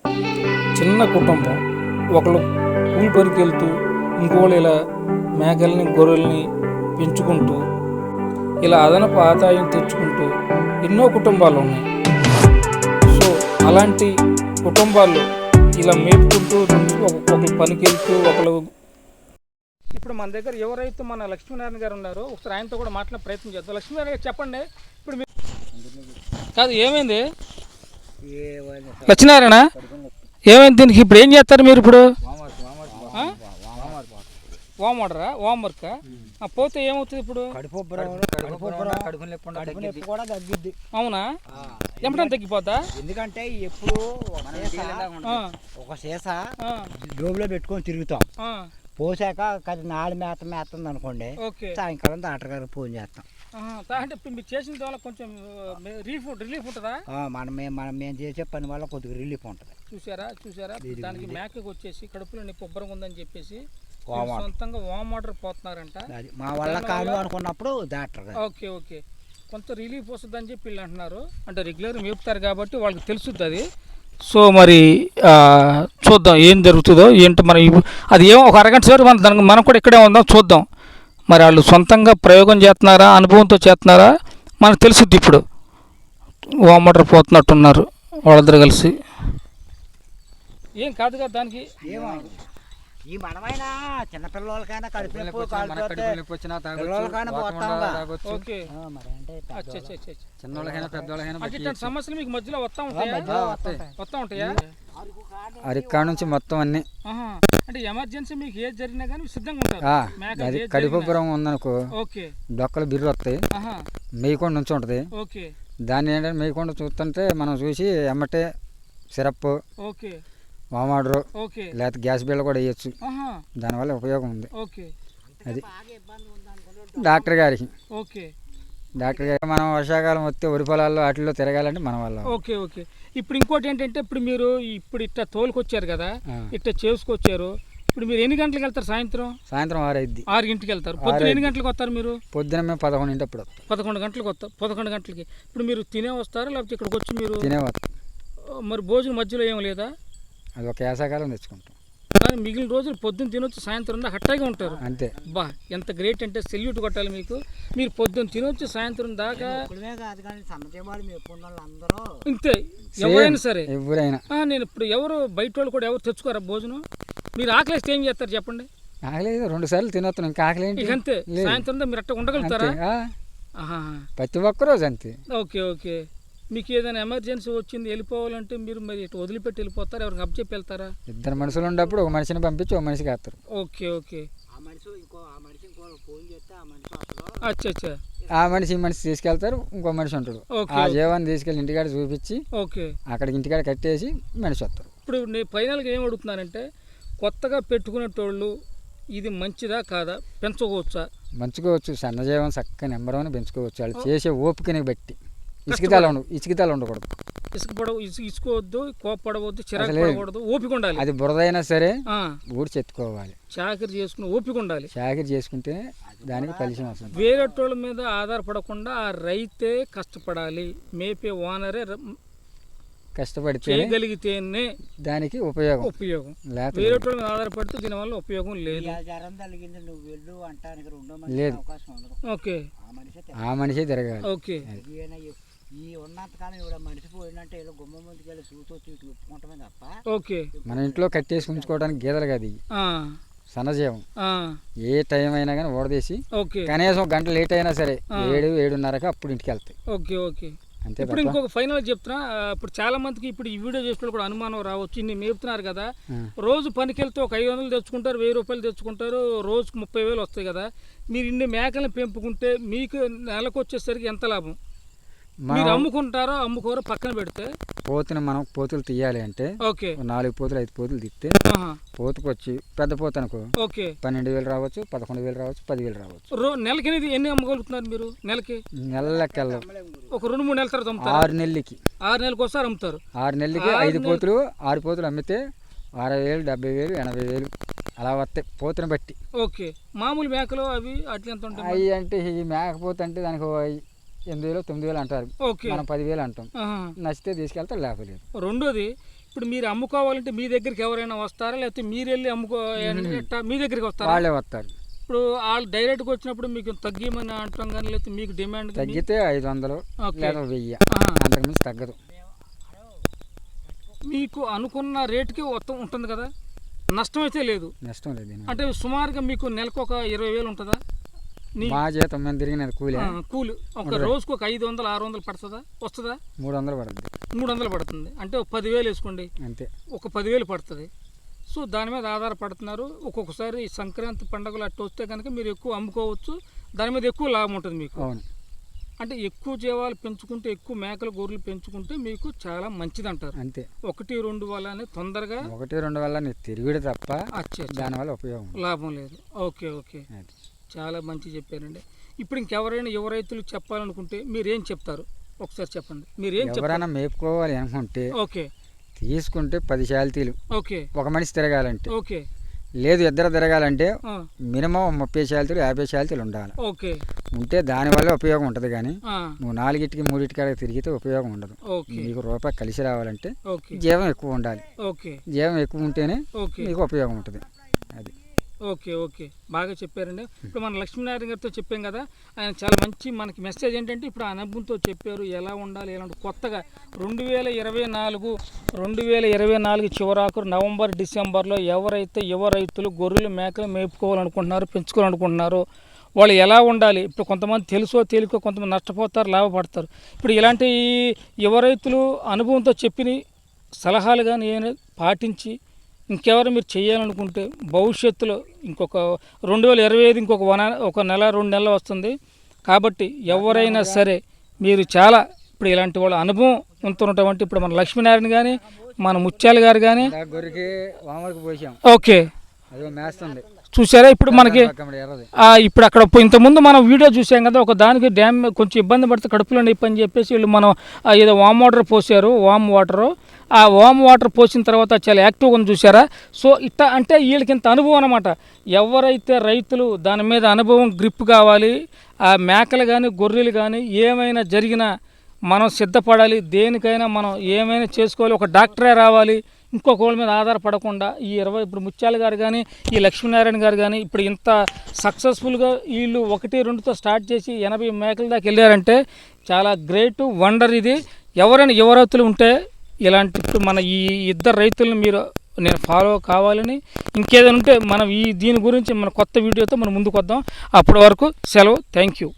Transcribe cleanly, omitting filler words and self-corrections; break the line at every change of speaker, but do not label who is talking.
చిన్న కుటుంబం, ఒకళ్ళు కూలి పనికి వెళ్తూ ఇంకోళ్ళు ఇలా మేకల్ని గొర్రెల్ని పెంచుకుంటూ ఇలా అదనపు ఆదాయం తెచ్చుకుంటూ ఎన్నో కుటుంబాలు ఉన్నాయి. సో అలాంటి కుటుంబాలు ఇలా మేపుకుంటూ ఒకళ్ళు పనికి వెళ్తూ ఒకళ్ళు. ఇప్పుడు మన దగ్గర ఎవరైతే మన లక్ష్మీనారాయణ గారు ఉన్నారో ఒకసారి ఆయనతో కూడా మాట్లాడే ప్రయత్నం చేద్దాం. లక్ష్మీనారాయణ గారు చెప్పండి, ఇప్పుడు మీరు కాదు ఏమైంది లక్ష్మీనారాయణ, ఏమైంది దీనికి? ఇప్పుడు ఏం చేస్తారు మీరు? ఇప్పుడు వామ్ ఆర్డరా, వామ్ వర్క్ పోతే ఏమవుతుంది? ఇప్పుడు అవునా, ఎమ్మటం తగ్గిపోతా?
ఎందుకంటే ఎప్పుడు ఒక సీసా జోబులో పెట్టుకొని తిరుగుతాం, పోసాక నాడు మేస్తుంది అనుకోండి, సాయంకాలం డాక్టర్ గారికి ఫోన్ చేస్తాం.
అంటే మీరు చేసిన వల్ల కొంచెం రిలీఫ్ ఉంటుందా?
మేము చేసే పని వల్ల కొద్దిగా రిలీఫ్ ఉంటుంది.
చూసారా దానికి మేకకు వచ్చేసి కడుపులో నొప్పి ఉబ్బరం ఉందని చెప్పేసి సొంతంగా వామ్ వాటర్ పోతున్నారంట.
మా వల్ల కాదు అనుకున్నప్పుడు డాక్టర్
ఓకే కొంత రిలీఫ్ వస్తుంది అని చెప్పి వీళ్ళు అంటున్నారు. అంటే రెగ్యులర్ మేపుతారు కాబట్టి వాళ్ళకి తెలుస్తుంది అది. సో మరి చూద్దాం ఏం జరుగుతుందో ఏంటో. మరి అది ఏమో ఒక అరగంట సేపు మనం కూడా ఇక్కడే ఉందాం, చూద్దాం. మరి వాళ్ళు సొంతంగా ప్రయోగం చేస్తున్నారా, అనుభవంతో చేస్తున్నారా మనకు తెలుసుద్ది. ఇప్పుడు వామ్ వాటర్ పోతున్నట్టున్నారు వాళ్ళిద్దరు కలిసి. ఏం కాదు కదా దానికి.
ఈ మనమైనా చిన్నపిల్లలకైనా కడుపునొప్పి
సమస్యలు మీకు మధ్యలో వస్తా ఉంటాయా?
అరికా నుంచి మొత్తం అన్ని.
అంటే ఎమర్జెన్సీ మీకు ఏది జరిగినా కానీ సిద్ధంగా ఉంటారు.
కడుపుబ్బరం ఉందనుకో, డొక్కలు బిర్రు వస్తాయి, మేయకుండా నుంచి ఉంటుంది. దాన్ని ఏంటంటే మేయకుండా చూస్తుంటే మనం చూసి ఎమ్మటే సిరప్, వామ్ వాటర్, లేకపోతే గ్యాస్ బిల్ల కూడా వేయచ్చు. దానివల్ల ఉపయోగం ఉంది. అది డాక్టర్ గారికి మనం వర్షాకాలం వస్తే వరి పొలాల్లో వాటిల్లో తిరగాలంటే మన వల్ల.
ఓకే ఇప్పుడు ఇంకోటి ఏంటంటే, ఇప్పుడు మీరు ఇప్పుడు ఇట్లా తోలుకొచ్చారు కదా, ఇట్లా చేసుకొచ్చారు. ఇప్పుడు మీరు ఎన్ని గంటలకు వెళ్తారు? సాయంత్రం 6 గంటలకు వెళ్తారు. పొద్దున ఎన్ని గంటలకు వస్తారు మీరు?
పొద్దున మేము 11 అప్పుడు
11 గంటలకు వస్తారు. 11 గంటలకి ఇప్పుడు మీరు తినే వస్తారా, లేకపోతే ఇక్కడికి వచ్చి మీరు
తినే వస్తారు?
మరి భోజనం మధ్యలో ఏం లేదా?
అది ఒక వేసవకాలం తెచ్చుకుంటాం,
కానీ మిగిలిన రోజులు పొద్దున్న తినొచ్చి సాయంత్రం దాకా హట్టాగా ఉంటారు.
అంతే.
బా ఎంత గ్రేట్ అంటే సెల్యూట్ కొట్టాలి మీకు. మీరు పొద్దున్న తినొచ్చి సాయంత్రం దాకా ఇంతే, ఎవరైనా సరే
ఎవరైనా.
నేను ఇప్పుడు ఎవరు బయట వాళ్ళు కూడా ఎవరు తెచ్చుకోరా భోజనం? మీరు ఆకలిస్తే ఏం చేస్తారు చెప్పండి?
ఆకలి 2 సార్లు తినొస్తాను, ఇంకా ఆకలి ఏంటి?
అంతే, సాయంత్రం మీరు అట్ట ఉండగలుగుతారా?
ప్రతి ఒక్క రోజు అంతే.
ఓకే మీకు ఏదైనా ఎమర్జెన్సీ వచ్చింది వెళ్ళిపోవాలంటే మీరు మరి ఇటు వదిలిపెట్టి వెళ్ళిపోతారా, ఎవరికి అప్పచెప్పి వెళ్తారా?
2 మనుషులు ఉన్నప్పుడు ఒక మనిషిని పంపించి ఒక మనిషికి వేస్తారు.
ఓకే
ఆ మనిషి ఈ మనిషి తీసుకెళ్తారు, ఇంకో మనిషి ఉంటాడు. ఆ జీవాన్ని తీసుకెళ్ళి ఇంటికాడ చూపించి అక్కడికి ఇంటికాడ కట్టేసి మనిషి వస్తారు.
ఇప్పుడు నేను ఫైనల్గా ఏం అడుగుతున్నానంటే, కొత్తగా పెట్టుకునేటోళ్ళు ఇది మంచిదా కాదా, పెంచుకోవచ్చా?
పెంచుకోవచ్చు. సన్నజీవం చక్కగా నెంబర్ పెంచుకోవచ్చు. వాళ్ళు చేసే ఓపికని బట్టి. ఇసుకితాలు ఉండకూడదు,
ఇసుకోవద్దు, కోపడవద్దు, చిరాకు పడకూడదు, ఓపిక ఉండాలి.
అది బురదైనా సరే ఊడి చెత్తుకోవాలి,
చాకరీ చేసుకుని ఓపిక ఉండాలి.
చాకరీ చేసుకుంటే దానికి ఫలితం వస్తుంది.
వేరేటోళ్ళ మీద ఆధారపడకుండా ఆ రైతే కష్టపడాలి, మేపే ఓనరే
కష్టపడితే
చేయగలిగితేనే
దానికి ఉపయోగం.
వేరేటోళ్ళ మీద ఆధారపడితే దీనివల్ల ఉపయోగం లేదు.
లేదు, ఆ మనిషే తిరగాలి.
ఓకే,
ఈ ఉన్నంతకాలం ఇవిడ మనిషి పోయిందంటే ఇలా గుమ్మ ముందుకు వెళ్ళి సూతో తీట్లు ఒప్పుకుంటమే తప్ప.
ఓకే,
మన ఇంట్లో కట్టేసి ఉంచుకోవడానికి గీదలు కాదు ఇవి, సన్నజీవం. ఏ టైం అయినా కానీ ఓడదీసి కనీసం గంట లేట్ అయినా సరే 7-7:30కి అప్పుడు ఇంటికి వెళ్తాయి.
ఓకే ఇప్పుడు ఇంకొక ఫైనల్ చెప్తున్నా. ఇప్పుడు చాలా మందికి ఇప్పుడు ఈ వీడియో చేసిన కూడా అనుమానం రావచ్చు, ఇన్ని మేపుతున్నారు కదా, రోజు పనికి వెళ్తే ఒక 500 తెచ్చుకుంటారు, 1000 రూపాయలు తెచ్చుకుంటారు, రోజుకు 30,000 వస్తాయి కదా. మీరు ఇన్ని మేకలను పెంపుకుంటే మీకు నెలకు వచ్చేసరికి ఎంత లాభం? మీరు అమ్ముకుంటారో అమ్ముకోరో పక్కన పెడితే,
పోతుని మనం పోతులు తీయాలి అంటే 4 పోతులు 5 పోతులు తీస్తే పోతుకు వచ్చి పెద్ద పోతు అనుకో 12,000 రావచ్చు, 11,000 రావచ్చు, 10,000 రావచ్చు.
నెలకి ఎన్ని అమ్మగలుగుతున్నారు మీరు? నెలకి
నెలకెళ్ళ
ఒక 2-3 నెలల తర్వాత
6 నెలలకి
6 నెలలకు ఒకసారి అమ్ముతారు.
6 నెలలకి 5 పోతులు 6 పోతులు అమ్మితే 60,000, 70,000, 80,000 అలా వస్తాయి పోతుని బట్టి.
ఓకే, మామూలు మేకలు అవి అట్లా ఎంత ఉంటాయి?
అవి అంటే ఈ మేకపోతే అంటే దానికి 8,000, 9,000 అంటారు, మనం 10,000 అంటాం. నచ్చితే తీసుకెళ్తే లేపలేదు.
రెండోది, ఇప్పుడు మీరు అమ్ముకోవాలంటే మీ దగ్గరికి ఎవరైనా వస్తారా, లేకపోతే మీరు వెళ్ళి మీ దగ్గరికి వస్తారా?
వాళ్ళే వస్తారు.
ఇప్పుడు వాళ్ళు డైరెక్ట్గా వచ్చినప్పుడు మీకు తగ్గిమని అంటాం కానీ, లేకపోతే మీకు డిమాండ్
తగ్గితే 500 లేదా 1000, అంతకుమించి తగ్గదు.
మీకు అనుకున్న రేటుకి మొత్తం ఉంటుంది కదా, నష్టం అయితే లేదు?
నష్టం లేదు.
అంటే సుమారుగా మీకు నెలకు ఒక 20,000 ఉంటుందా?
మా జీతం మేము తిరిగినది కూలి
ఒక రోజుకు ఒక 500 600 పడుతుందా? వస్తుందా?
300 పడుతుంది.
300 పడుతుంది అంటే ఒక 10,000 వేసుకోండి,
అంతే.
ఒక 10,000 పడుతుంది. సో దాని మీద ఆధారపడుతున్నారు. ఒక్కొక్కసారి సంక్రాంతి పండుగలు అట్టు వస్తే కనుక మీరు ఎక్కువ అమ్ముకోవచ్చు, దాని మీద ఎక్కువ లాభం ఉంటుంది మీకు.
అవును.
అంటే ఎక్కువ జీవాలు పెంచుకుంటే, ఎక్కువ మేకలు గొర్రెలు పెంచుకుంటే మీకు చాలా మంచిది అంటారు.
అంతే.
1-2 వల్ల తొందరగా
1-2 వల్ల నీకు తిరుగుడు తప్ప దానివల్ల ఉపయోగం
లాభం లేదు. ఓకే, చాలా మంచి చెప్పారండి. ఇప్పుడు ఇంకెవరైనా యువ రైతులు చెప్పాలనుకుంటే మీరేం చెప్తారు? ఒకసారి చెప్పండి. మీరేం
ఎవరైనా మేపుకోవాలి అనుకుంటే
ఓకే
తీసుకుంటే 10 శాల్తీలు
ఓకే
ఒక మనిషి తిరగాలంటే,
ఓకే
లేదు ఇద్దరు తిరగాలంటే మినిమం 30 శాల్తీలు 50 శాల్తీలు ఉండాలి.
ఓకే
ఉంటే దానివల్ల ఉపయోగం ఉంటుంది. కానీ నువ్వు 4కి 3 తిరిగితే ఉపయోగం ఉండదు. నీకు రూపాయి కలిసి రావాలంటే జీవం ఎక్కువ ఉండాలి. జీవం ఎక్కువ ఉంటేనే నీకు ఉపయోగం ఉంటుంది. అది.
ఓకే బాగా చెప్పారండి. ఇప్పుడు మన లక్ష్మీనారాయణ గారితో చెప్పాం కదా, ఆయన చాలా మంచి మనకి మెసేజ్ ఏంటంటే ఇప్పుడు అనుభవంతో చెప్పారు ఎలా ఉండాలి, ఎలాంటి కొత్తగా 2024 చివరాకు నవంబర్ డిసెంబర్లో ఎవరైతే యువ రైతులు గొర్రెలు మేకలు మేపుకోవాలనుకుంటున్నారో, పెంచుకోవాలనుకుంటున్నారో వాళ్ళు ఎలా ఉండాలి. ఇప్పుడు కొంతమంది తెలుసో తెలియకో కొంతమంది నష్టపోతారు, లాభపడతారు. ఇప్పుడు ఇలాంటి యువ రైతులు అనుభవంతో చెప్పిన సలహాలు కానీ ఏమైనా పాటించి ఇంకెవరు మీరు చేయాలనుకుంటే భవిష్యత్తులో ఇంకొక 2025 ఇంకొక 1 నెల 2 నెలలు వస్తుంది కాబట్టి ఎవరైనా సరే మీరు చాలా ఇప్పుడు ఇలాంటి వాళ్ళ అనుభవం ఉంటున్నటువంటి ఇప్పుడు మన లక్ష్మీనారాయణ కానీ మన ముత్యాల గారు కానీ ఓకే చూసారా. ఇప్పుడు మనకి ఇప్పుడు అక్కడ ఇంతకుముందు మనం వీడియో చూసాం కదా, ఒక దానికి డ్యామ్ కొంచెం ఇబ్బంది పడితే కడుపులో నొప్పి అని చెప్పేసి వీళ్ళు మనం ఏదో వామ్ వాటర్ పోసారు. ఆ వామ్ వాటర్ పోసిన తర్వాత చాలా యాక్టివ్గా ఉంది చూసారా. సో ఇట్లా అంటే వీళ్ళకి ఇంత అనుభవం అనమాట. ఎవరైతే రైతులు దాని మీద అనుభవం గ్రిప్ కావాలి, ఆ మేకలు కానీ గొర్రెలు కానీ ఏమైనా జరిగినా మనం సిద్ధపడాలి, దేనికైనా మనం ఏమైనా చేసుకోవాలి, ఒక డాక్టరే రావాలి, ఇంకొకళ్ళ మీద ఆధారపడకుండా ఇప్పుడు ముత్యాల గారు కానీ ఈ లక్ష్మీనారాయణ గారు కానీ ఇప్పుడు ఇంత సక్సెస్ఫుల్గా వీళ్ళు 1-2తో స్టార్ట్ చేసి 80 మేకల దాకా వెళ్ళారంటే చాలా గ్రేట్ వండర్. ఇది ఎవరైనా యువ రైతులు ఉంటే ఇలాంటి ఇప్పుడు మన ఈ ఇద్దరు రైతులను నేను ఫాలో కావాలని, ఇంకేదైనా ఉంటే మనం దీని గురించి మన కొత్త వీడియోతో మనం ముందుకు వద్దాం. అప్పటి వరకు సెలవు. Thank you.